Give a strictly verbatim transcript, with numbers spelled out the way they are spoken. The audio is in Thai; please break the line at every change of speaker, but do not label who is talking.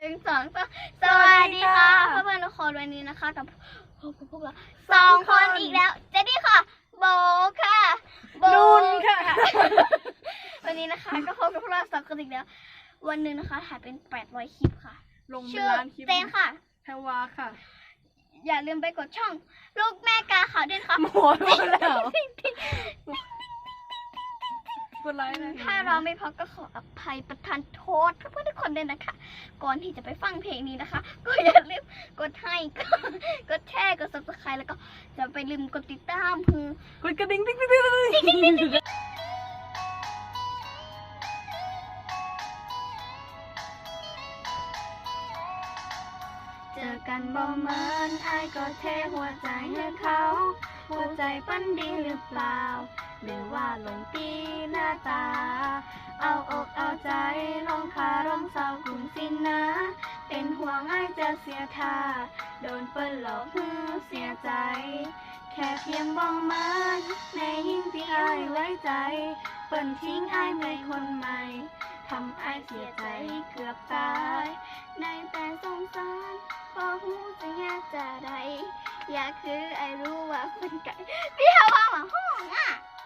นึ่งสองสามสวัสดีค่ะเพื่อนๆทุกคนวันนี้นะคะกับพวกพวกเราสองคนอีกแล้วเจดี้ค่ะโบค่ะโบ
นุนค่ะ
วันนี้นะคะก็พบกับพวกเราสองคนอีกแล้ววันหนึ่งนะคะถ่ายเป็นแปดร้อยคลิปค่ะ
ลงเป็น
ชื่อ
ล้านคลิป
เจนค่ะ
แพรวาค่ะ
อย่าลืมไปกดช่องลูกแม่กาขาวด้วยค่ะ
หมดแล้วกดไลค์นะ
ถ้าเราไม่พอก็ขออภัยประทานโทษเพื่อนๆทุกคนด้วยนะคะ ก่อนที่จะไปฟังเพลงนี้นะคะ ก็อย่าลืมกดให้กดกดแชร์กด ซับสไครบ์ แล้วก็จะไปลืมกดติดตามเพื่อก
ดกระดิ่งติ๊งติ๊งติ๊งติ๊ง
เจอกันบ่เหมือนไอ้ก็เทหัวใจให้เขา หัวใจปั้นดีหรือเปล่า หรือว่าหลงตีหน้าตา เอาอกเอาใจลองคารมเศร้ากลุ่มสินนะ เป็นห่วงไอ้จะเสียท่า โดนเปิ้นหลอกฮือเสียใจ แค่เพียงบ้องมันในยิ่งที่ไอ้ไว้ใจ เปิ้นทิ้งไอ้ไปคนใหม่ทำไอ้เสียใจเกือบตายในแต่สงสารพอหูจะยากจะใดอยากคือไอ้รู้ว่าเป็นไก่พี่ฮาว่าหมาห้องอ่ะ